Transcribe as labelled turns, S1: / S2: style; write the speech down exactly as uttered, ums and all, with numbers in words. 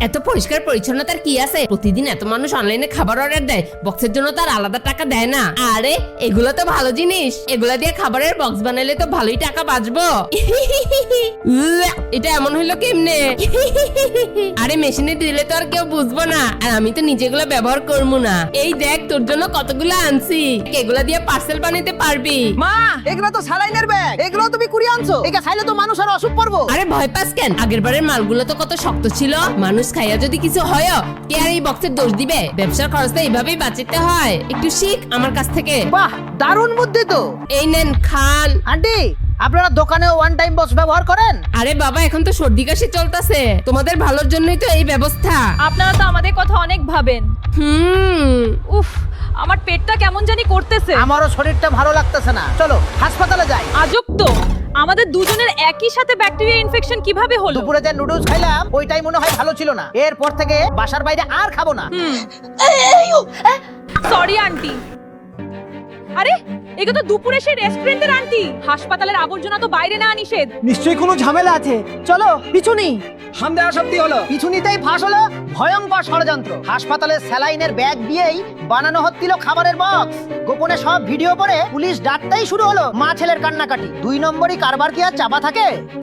S1: এত পরিষ্কার পরিচ্ছন্নতার কি আছে? প্রতিদিন এত মানুষ অনলাইনে খাবার অর্ডার দেয়, বক্সের জন্য তার আলাদা টাকা দেয় না। আরে এগুলো তো ভালো জিনিস, এগুলা দিয়ে খাবারের বক্স বানাইলে তো ভালোই টাকা বাঁচবো। এটা এমন হইলো কেমনে? আরে মেশিনে দিলে তো আর কেউ বুঝবো না, আর আমি তো নিজেগুলো ব্যবহার করবো না। এই দেখ তোর জন্য কতগুলো আনছি, এগুলা দিয়ে পার্সেল বানাইতে পারবি।
S2: মা, এগুলো তো স্যালাইনের ব্যাগ, এগুলো তুমি কুড়িয়ে আনছো। এটা খাইলে তো মানুষ আর অসুখ পড়বো।
S1: আরে ভয় পাস কেন? আগের বারের মালগুলো তো কত শক্ত ছিল, মানুষ খাইয়া যদি কিছু হয় কে আর এই বক্সের দোষ দিবে? ব্যবসার খরচটা এইভাবেই বাঁচাতে হয়, একটু শিখ আমার কাছ থেকে।
S2: বাহ, দারুণ বুদ্ধি তো।
S1: এই নেন খান।
S2: আন্টি, আপনারা দোকানে ওয়ান টাইম বক্স ব্যবহার করেন?
S1: আরে বাবা, এখন তো সর্দি কাশি চলতেছে, তোমাদের ভালোর জন্যই তো এই ব্যবস্থা।
S3: আপনারা তো আমাদের কথা অনেক ভাবেন।
S1: হুম
S3: উফ, আমার পেটটা কেমন জানি করতেছে।
S2: আমারও শরীরটা ভালো লাগতেছে না, চলো হাসপাতালে যাই।
S3: আজব তো, আমাদের দুজনের একই সাথে ব্যাকটেরিয়া ইনফেকশন কিভাবে হলো?
S2: দুপুরে যে নুডলস খাইলাম ওইটাই মনে হয় ভালো ছিল না, এরপর থেকে বাসার বাইরে আর খাবো না।
S3: Sorry aunty. আরে এগুলো তো দুপুরে সেই রেস্টুরেন্টের আন্টি। হাসপাতালের আবর্জনা তো বাইরে না নিষেধ।
S2: নিশ্চয়ই কোনো ঝামেলা আছে, চলো পিছুনি।
S4: সন্দেহ সত্যি হলো।
S2: পিছুনিতেই ফাঁস হলো ভয়ঙ্কর ষড়যন্ত্র। হাসপাতালের স্যালাইনের ব্যাগ দিয়েই বানানো হচ্ছিল খাবারের বক্স। গোপনে সব ভিডিও করে পুলিশ ডাকতেই শুরু হলো মা ছেলের কান্নাকাটি। দুই নম্বরই কারবার কি আর চাপা থাকে?